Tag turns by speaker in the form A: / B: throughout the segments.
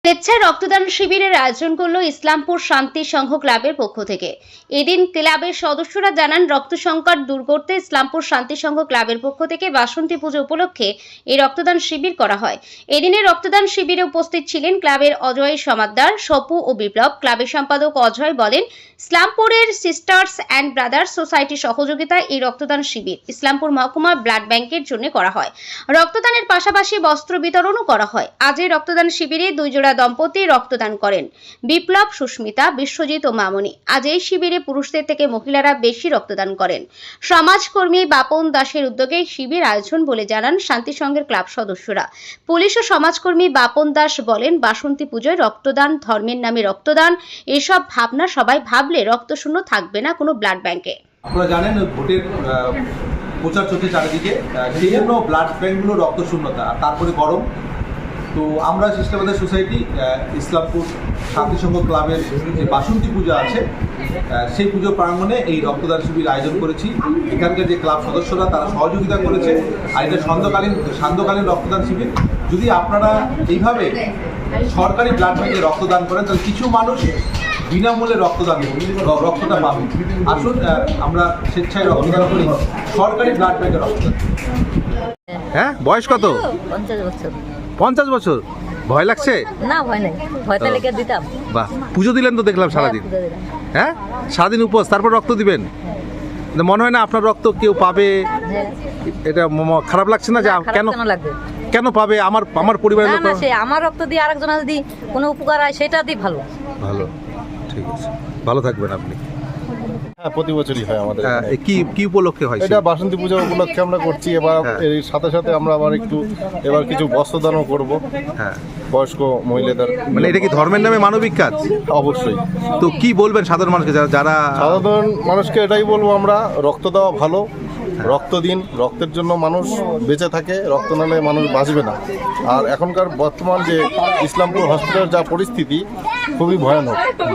A: স্বেচ্ছায় রক্তদান শিবিরের আয়োজন করল ইসলামপুর শান্তি সংঘ ক্লাবের পক্ষ থেকে। এদিন ক্লাবের সদস্যরা জানান, রক্ত সংকট দূর করতে ইসলামপুর শান্তি সংঘ ক্লাবের পক্ষ থেকে বাসন্তী পুজো উপলক্ষে এই রক্তদান শিবির করা হয়। এদিনে রক্তদান শিবিরে উপস্থিত ছিলেন ক্লাবের অজয় সমাদ্দার, সপু ও বিপ্লব। ক্লাবের সম্পাদক অজয় বলেন, ইসলামপুরের সিস্টার্স অ্যান্ড ব্রাদার্স সোসাইটির সহযোগিতায় এই রক্তদান শিবির ইসলামপুর মহকুমা ব্লাড ব্যাংকের জন্য করা হয়। রক্তদানের পাশাপাশি বস্ত্র বিতরণও করা হয়। আজ এই রক্তদান শিবিরে 2 জোড়া দম্পতি রক্তদান করেন, বিপ্লব, সুস্মিতা, বিশ্বজিৎ ও মামনি। আজ এই শিবিরে পুরুষদের থেকে মহিলারা বেশি রক্তদান করেন। সমাজকর্মী বাপন দাসের উদ্যোগে শিবির আয়োজন বলে জানান শান্তি সংঘের ক্লাব সদস্যরা। পুলিশ ও সমাজকর্মী বাপন দাস বলেন, বাসন্তী পুজোয় রক্তদান, ধর্মের নামে রক্তদান, এসব ভাবনা সবাই ভাবলে রক্তশূন্য থাকবে না কোনো ব্লাড ব্যাংকে।
B: আপনারা জানেন ভোটের প্রচার চলছে চারিদিকে, সেই জন্য ব্লাড ব্যাংকগুলো রক্ত শূন্যতা, তারপরে গরম। তো আমরা সিস্টেমাদার সোসাইটি ইসলামপুর শান্তি সংঘ ক্লাবের যে বাসন্তী পূজা আছে সেই পুজো প্রাঙ্গণে এই রক্তদান শিবির আয়োজন করেছি। এখানকার যে ক্লাব সদস্যরা তারা সহযোগিতা করেছে। আর এটা সান্ধ্যকালীন রক্তদান শিবির। যদি আপনারা এইভাবে সরকারি ব্লাড ব্যাংকে রক্তদান করেন তাহলে কিছু মানুষ বিনামূল্যে রক্তটা পাবে। আসুন আমরা স্বেচ্ছায় রক্তদান করি, সরকারি ব্লাড ব্যাংকে রক্তদান।
C: হ্যাঁ, বয়স কত?
D: 50 বছর।
C: 50 বছর। ভয় লাগছে?
D: না, ভয় নাই, ভয়তে লেগে দিতাম।
C: বাহ, পুজো দিলেন তো দেখলাম সারাদিন। হ্যাঁ, সারাদিন উপোস, তারপর রক্ত দিবেন। মনে হয় না আপনার রক্ত কেউ পাবে? এটা খারাপ লাগছে না? যে কেন
D: লাগবে,
C: কেন পাবে? আমার পরিবারের লোক।
D: আমার রক্ত দিয়ে আরেকজন যদি কোনো উপকার হয় সেটা দিয়ে ভালো।
C: ঠিক আছে, ভালো থাকবেন আপনি।
E: হ্যাঁ, প্রতি বছরই হয় আমাদের।
C: কি উপলক্ষে হয়?
E: এটা বাসন্তী পূজা উপলক্ষে আমরা করছি। এবার এর সাথে সাথে আমরা আবার এবার কিছু বস্ত্রদানও করব।
C: হ্যাঁ,
E: বয়স্ক মহিলাদের।
C: মানে এটা কি ধর্মের নামে মানবিক কাজ?
E: অবশ্যই।
C: তো কি বলবেন সাধারণ মানুষকে, যারা
E: সাধারণ মানুষকে এটাই বলবো, আমরা রক্ত দেওয়া ভালো, রক্ত দিন। রক্তের জন্য মানুষ বেঁচে থাকে, রক্ত নালে মানুষ বাঁচবে না। আর এখনকার বর্তমান যে ইসলামপুর হসপিটালের যা পরিস্থিতি খুবই ভয়ানক।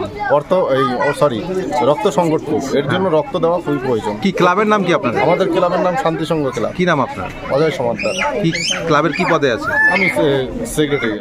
E: রক্ত সংকট খুব, এর জন্য রক্ত দেওয়া খুবই প্রয়োজন।
C: কি ক্লাবের নাম কি আপনাদের?
E: আমাদের ক্লাবের নাম শান্তি সংঘ ক্লাব।
C: কি নাম আপনার?
E: অজয় সমাদ্দার।
C: কি ক্লাবের কি পদে আছে?
E: আমি সেক্রেটারি।